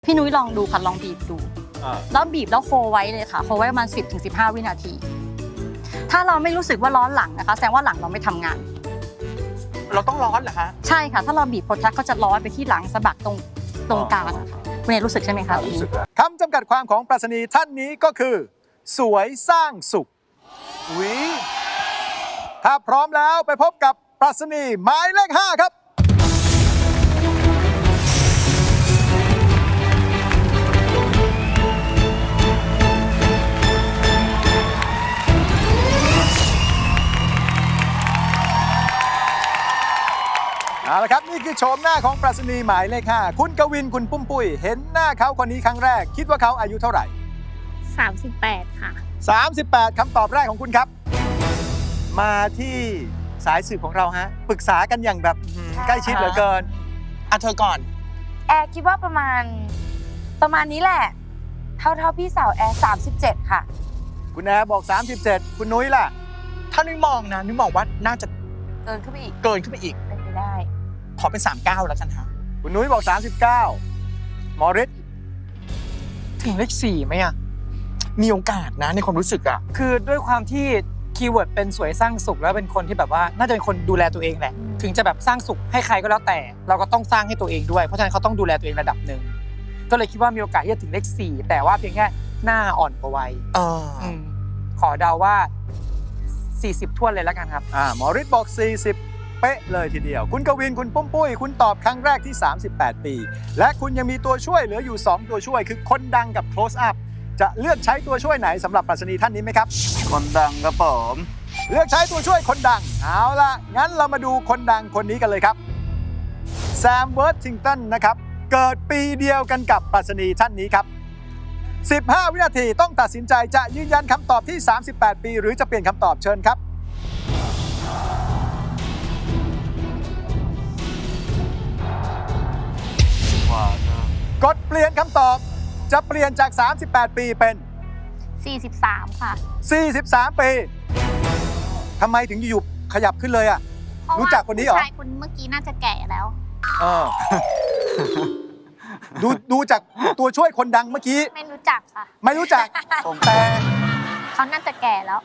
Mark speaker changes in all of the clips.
Speaker 1: พี่นุ้ยลองดูค่ะลองบีบดูแล้วบีบแล้วโคไว้เลยค่ะโคไว้ประมาณ10-15 วินาทีถ้าเราไม่รู้สึกว่าร้อนหลังนะคะแสดงว่าหลังเราไม่ทำงาน
Speaker 2: เราต้องร้อนเหรอคะ
Speaker 1: ใช่ค่ะถ้าเราบีบโพแทสก็จะร้อนไปที่หลังสะบักตรงกลางคุณเอรู้สึกใช่ไหมคะ
Speaker 3: รู้สึกคำจำกัดความของปรัชนีท่านนี้ก็คือสวยสร้างสุขถ้าพร้อมแล้วไปพบกับปรัชนีหมายเลข 5ครับเอาละครับนี่คือโฉมหน้าของปรัชนีหมายเลข 5คุณกวินคุณปุ้มปุ้ยเห็นหน้าเขาคนนี้ครั้งแรกคิดว่าเขาอายุเท่าไหร่
Speaker 4: 38ค่ะ
Speaker 3: 38คำตอบแรกของคุณครับมาที่สายสืบของเราฮะปรึกษากันอย่างแบบใกล้ชิดเหลือเกิน
Speaker 2: เธอก่อน
Speaker 4: แอร์คิดว่าประมาณนี้แหละเท่าพี่สาวแอร์37ค่ะ
Speaker 3: คุณแอร์บอก37คุณนุ้ยล่ะ
Speaker 2: ถ้านุ้ยมองนะนุ้ยมองว่าน่าจะ
Speaker 4: เกินขึ้นไปอีก
Speaker 2: เป็นไป
Speaker 4: ได้
Speaker 2: ขอเป็น39แล้วกันฮะ
Speaker 3: คุณนุ้ยบอก39มอริส
Speaker 2: ถึงเลข4ไหมอะมีโอกาสนะในความรู้สึกอะ
Speaker 5: คือด้วยความที่คีย์เวิร์ดเป็นสวยสร้างสุขแล้วเป็นคนที่แบบว่าน่าจะเป็นคนดูแลตัวเองแหละถึงจะแบบสร้างสุขให้ใครก็แล้วแต่เราก็ต้องสร้างให้ตัวเองด้วยเพราะฉะนั้นเขาต้องดูแลตัวเองระดับหนึ่งก็เลยคิดว่ามีโอกาสที่จะถึงเลข4แต่ว่าเพียงแค่หน้าอ่อนกว่าวัยขอเดาว่า40ท้วนเลยแล้วกันครับ
Speaker 3: มอริสบอก40เป๊ะเลยทีเดียวคุณกวินคุณปุ้มปุ้ยคุณตอบครั้งแรกที่38ปีและคุณยังมีตัวช่วยเหลืออยู่2ตัวช่วยคือคนดังกับ close upจะเลือกใช้ตัวช่วยไหนสำหรับปรัชนีท่านนี้ไหมครับ
Speaker 6: คนดังครับผม
Speaker 3: เลือกใช้ตัวช่วยคนดังเอาล่ะงั้นเรามาดูคนดังคนนี้กันเลยครับแซมเวิร์ธทิงตันนะครับเกิดปีเดียวกันกับปรัชนีท่านนี้ครับ15 วินาทีต้องตัดสินใจจะยืนยันคำตอบที่38ปีหรือจะเปลี่ยนคำตอบเชิญครับกดเปลี่ยนคำตอบจะเปลี่ยนจาก38ปีเป็น
Speaker 4: 43ค่ะ
Speaker 3: 43ปีทำไมถึงอยู่ขยับขึ้นเลยอ่ะรู้จักคนนี้เหรอ
Speaker 4: ผู้ชายคนเมื่อกี้น่าจะแก่แล้ว
Speaker 3: ดูจากตัวช่วยคนดังเมื่อกี้
Speaker 4: ไม่รู้จักค่ะ
Speaker 3: ไม่รู้จักแต่
Speaker 4: เขาน่าจะแก่แล้ว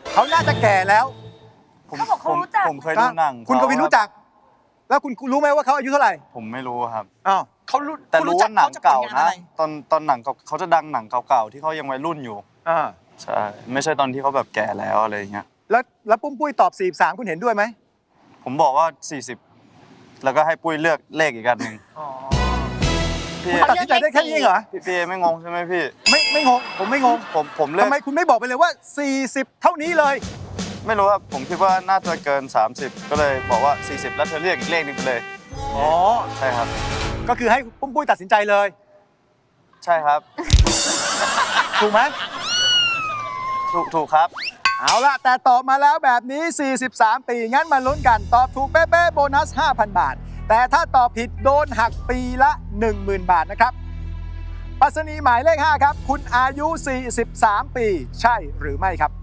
Speaker 6: เขาบอกเขารู้จักผมเคยดูหนัง
Speaker 3: คุณกวินรู้จักแล้วคุณรู้ไหมว่าเขาอายุเท่าไหร่
Speaker 6: ผมไม่รู้ครับ
Speaker 2: เขารู้
Speaker 6: แต่รู้ว่าหนังเก่านะตอนหนังเขาจะดังหนังเก่าๆที่เขายังวัยรุ่นอยู่ใช่ไม่ใช่ตอนที่เขาแบบแก่แล้วอะไรอย่างเงี้ย
Speaker 3: แล้วปุ้มปุ้ยตอบ43คุณเห็นด้วยไหม
Speaker 6: ผมบอกว่า40แล้วก็ให้ปุ้ยเลือกเลขอีกอันนึง
Speaker 3: คุณตัดสินใจได้แค่นี้เหรอ
Speaker 6: พี่ไม่งงใช่ไหมพี่
Speaker 3: ไม่งงผมไม่งง
Speaker 6: ผมเลือก
Speaker 3: ทำไมคุณไม่บอกไปเลยว่า40เท่านี้เลย
Speaker 6: ไม่รู้ครับผมคิดว่าน่าจะเกิน30ก็เลยบอกว่า40แล้วเธอเลือกอีกเลขนึงไปเลยใช่ครับ
Speaker 3: ก็คือให้ปุ้มปุ้ยตัดสินใจเลย
Speaker 6: ใช่ครับ
Speaker 3: ถูกไหม
Speaker 6: ถูกครับ
Speaker 3: เอาล่ะแต่ตอบมาแล้วแบบนี้43ปีงั้นมาลุ้นกันตอบถูกเป๊ะๆโบนัส 5,000 บาทแต่ถ้าตอบผิดโดนหักปีละ 10,000 บาทนะครับปรัชนีหมายเลข 5ครับคุณอายุ43ปีใช่หรือไม่ครับ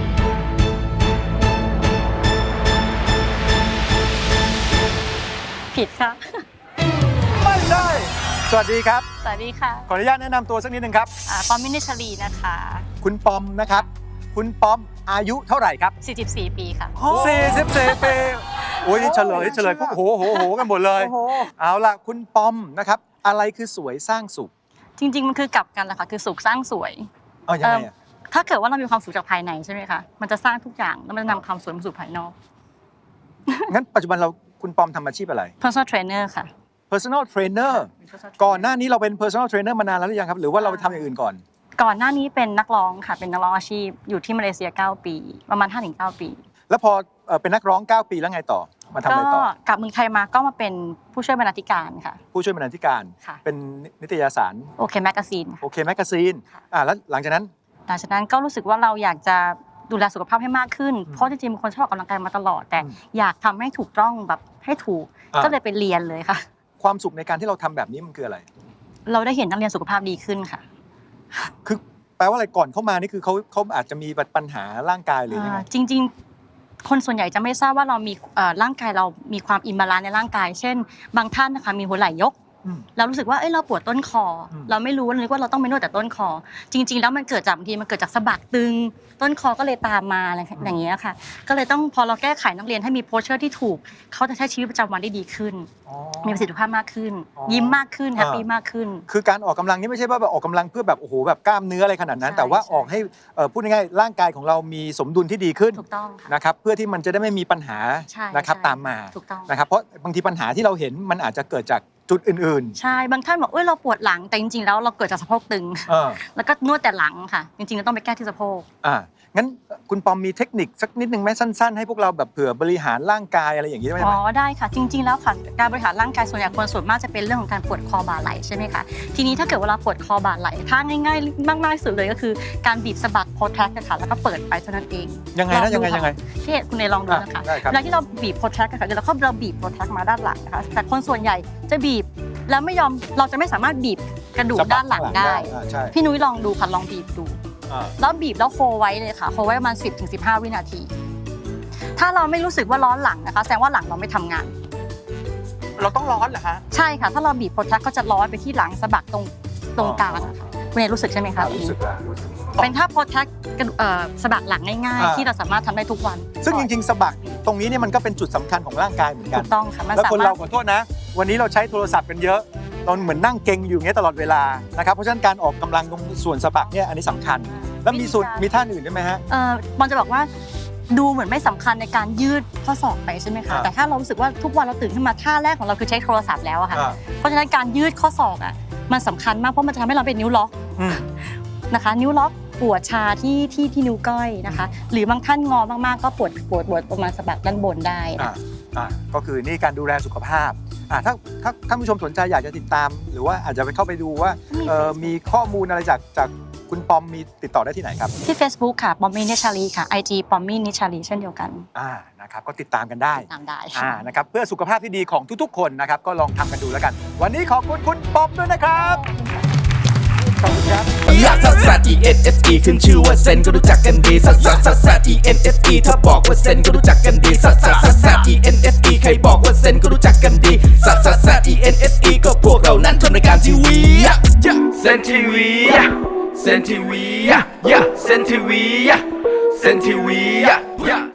Speaker 1: ผิดค่ะ
Speaker 3: ไม่ใช่สวัสดีครับ
Speaker 1: สวัสดีค่ะ
Speaker 3: ขออนุญาตแนะนำตัวสักนิดนึงครับ
Speaker 1: ปอมมินิชลีนะคะ
Speaker 3: คุณปอมนะครับคุณปอมอายุเท่าไหร่ครับ
Speaker 1: 44ปีค่ะ
Speaker 3: 44ปีโอ้ยเฉลยพวกโหกันหมดเลยเอาล่ะคุณปอมนะครับอะไรคือสวยสร้างสุข
Speaker 1: จริงๆมันคือกลับกันแหละค่ะคือสุขสร้างสวย
Speaker 3: ยังไง
Speaker 1: ถ้าเกิดว่าเรามีความสุขจากภายในใช่ไหมคะมันจะสร้างทุกอย่างแล้วมันจะนำความสวยมาสู่ภายนอก
Speaker 3: งั้นปัจจุบันคุณปอมทำอาชีพอะไร
Speaker 1: personal trainer ค่ะ
Speaker 3: personal trainer ก่อนหน้านี้เราเป็น personal trainer มานานแล้วหรือยังครับหรือว่าเราไปทำอย่างอื่นก่อน
Speaker 1: หน้านี้เป็นนักร้องค่ะเป็นนักร้องอาชีพอยู่ที่มาเลเซีย9ปีประมาณ 5-9 ปี
Speaker 3: แล้วพอเป็นนักร้อง9ปีแล้วไงต่อมาทำอะไรต่
Speaker 1: อกลับเมืองไทยมาก็มาเป็นผู้ช่วยบรรณาธิการค่ะ
Speaker 3: ผู้ช่วยบรรณาธิการเป็นนิตยสาร
Speaker 1: โอเคแมกกาซีน
Speaker 3: แล้วหลังจากนั้น
Speaker 1: ก็รู้สึกว่าเราอยากจะดูแลสุขภาพให้มากขึ้นเพราะจริงๆเป็นคนชอบออกกำลังกายมาตลอดแต่อยากทำให้ถูกต้องแบบให้ถูกก็เลยไปเรียนเลยค่ะ
Speaker 3: ความสุขในการที่เราทำแบบนี้มันคืออะไร
Speaker 1: เราได้เห็นนักเรียนสุขภาพดีขึ้นค่ะ
Speaker 3: คือแปลว่าอะไรก่อนเข้ามานี่คือเขาอาจจะมีปัญหาร่างกายหรือยังไง
Speaker 1: จริงๆคนส่วนใหญ่จะไม่ทราบว่าเรามีร่างกายเรามีความอิมบาลานซ์ในร่างกายเช่นบางท่านนะคะมีหัวไหล่ยกเรารู้สึกว่าเราปวดต้นคอเราไม่รู้นึกว่าเราต้องไปนวดแต่ต้นคอจริงๆแล้วมันเกิดจากบางทีมันเกิดจากสะบักตึงต้นคอก็เลยตามมาอะไรอย่างเงี้ยค่ะก็เลยต้องพอเราแก้ไขนักเรียนให้มีโพสเชอร์ที่ถูกเขาจะใช้ชีวิตประจำวันได้ดีขึ้นมีประสิทธิภาพมากขึ้นยิ้มมากขึ้นแฮปปี้มากขึ้น
Speaker 3: คือการออกกำลังนี่ไม่ใช่ว่าแบบออกกำลังเพื่อแบบโอ้โหแบบกล้ามเนื้ออะไรขนาดนั้นแต่ว่าออกให้พูดง่ายๆร่างกายของเรามีสมดุลที่ดีขึ้น
Speaker 1: ถูกต้องค่ะ
Speaker 3: นะครับเพื่อที่มันจะได้ไม่มีปัญหานะครับตามมา
Speaker 1: ถูกต้อง
Speaker 3: นะครับเพราะบางทีปัญหาที่เราเห็นมันอาจจะเกิดจากจุดอื่น
Speaker 1: ๆใช่บางท่านบอกเราปวดหลังแต่จริงๆแล้วเราเกิดจากสะโพกตึงแล้วก็นวดแต่หลังค่ะจริงๆเราต้องไปแก้ที่สะโพก
Speaker 3: งั้นคุณปอมมีเทคนิคสักนิดนึงไหมสั้นๆให้พวกเราแบบเผื่อบริหารร่างกายอะไรอย่างนี้ได้ไหม
Speaker 1: ได้ค่ะจริงๆแล้วค่ะการบริหารร่างกายส่วนใหญ่คนส่วนมากจะเป็นเรื่องของการปวดคอบ่าไหล่ใช่ไหมคะทีนี้ถ้าเกิดเวลาปวดคอบ่าไหล่ถ้าง่ายๆมากๆที่สุดเลยก็คือการบีบสะบักโพแทรกค่ะแล้วก็เปิดไปเท่านั้นเอง
Speaker 3: ยังไงนะยังไง
Speaker 1: ที่คุณเนยลองดูนะคะเวลาที่เราบีบโพแทรกค่ะเดี๋ยวเราบีบโพแทรกมาด้านหลังนะคะแต่คนส่วนใหญ่จะบีบแล้วไม่ยอมเราจะไม่สามารถบีบกระดูกด้านหลังได้พี่นุ้ยลองดูค่ะลองบีบดูแล้วบีบแล้วโคไว้เลยค่ะโคไว้ประมาณ10-15 วินาทีถ้าเราไม่รู้สึกว่าร้อนหลังนะคะแสดงว่าหลังเราไม่ทำงาน
Speaker 2: เราต้องร้อนเหรอคะ
Speaker 1: ใช่ค่ะถ้าเราบีบโพแทรกก็จะร้อนไปที่หลังสะบักตรงกลางคุณเนยรู้สึกใช่ไหมคะ
Speaker 3: รู้สึก
Speaker 1: เป็นท่าโพแทรกสะบักหลังง่ายๆที่เราสามารถทำได้ทุกวัน
Speaker 3: ซึ่งจริงๆสะบักตรงนี้เนี่ยมันก็เป็นจุดสำคัญของร่างกายเหมือนกัน
Speaker 1: ถูกต้องค่ะ
Speaker 3: แล้วคนเราขอโทษนะวันนี้เราใช้โทรศัพท์กันเยอะตอนเหมือนนั่งเก่งอยู่อย่างเงี้ยตลอดเวลานะครับเพราะฉะนั้นการออกกำลังตรงส่วนสะบักเนี่ยอันนี้สำคัญแล้วมีท่าอื่นด้วยไหมฮะ
Speaker 1: บอลจะบอกว่าดูเหมือนไม่สำคัญในการยืดข้อศอกไปใช่ไหมคะแต่ถ้าเรารู้สึกว่าทุกวันเราตื่นขึ้นมาท่าแรกของเราคือใช้โทรศัพท์แล้วอะค่ะเพราะฉะนั้นการยืดข้อศอกอะมันสำคัญมากเพราะมันจะทำให้เราเป็นนิ้วล็อกนะคะนิ้วล็อกปวดชาที่นิ้วก้อยนะคะหรือบางท่านงอมากๆก็ปวดประมาณสะบักด้านบนได้
Speaker 3: ก็คือนี่การดูแลสุขภาพถ้าท่านผู้ชมสนใจอยากจะติดตามหรือว่าอาจจะไปเข้าไปดูว่ามีข้อมูลอะไรจากคุณปอมมีติดต่อได้ที่ไหนครับ
Speaker 1: ที่ Facebook ค่ะปอมมี่นิชาลีค่ะ IG ปอมมี่นิชาลีเช่นเดียวกัน
Speaker 3: นะครับก็ติดตามกันได้
Speaker 1: ตามได้
Speaker 3: นะครับเพื่อสุขภาพที่ดีของทุกๆคนนะครับก็ลองทำกันดูแล้วกันวันนี้ขอบคุณคุณปอมด้วยนะครับขอบคุณครับ
Speaker 7: ลักซัสซัส ENSE ขึ้นชื่อว่าเซนก็รู้จักกันดีซัสซัสซัสซัส ENSE ถ้าบอกว่าเซนก็รู้จักกันดีซัสซัสซัสซัส ENSE ใครบอกว่าเซนก็รู้จักกันดีซัสซัสซัส ENSE ก็พวกเรานั้นทำรายการทีวีเซนทีวีเซนทีวีเซนทีวีเซนทีวี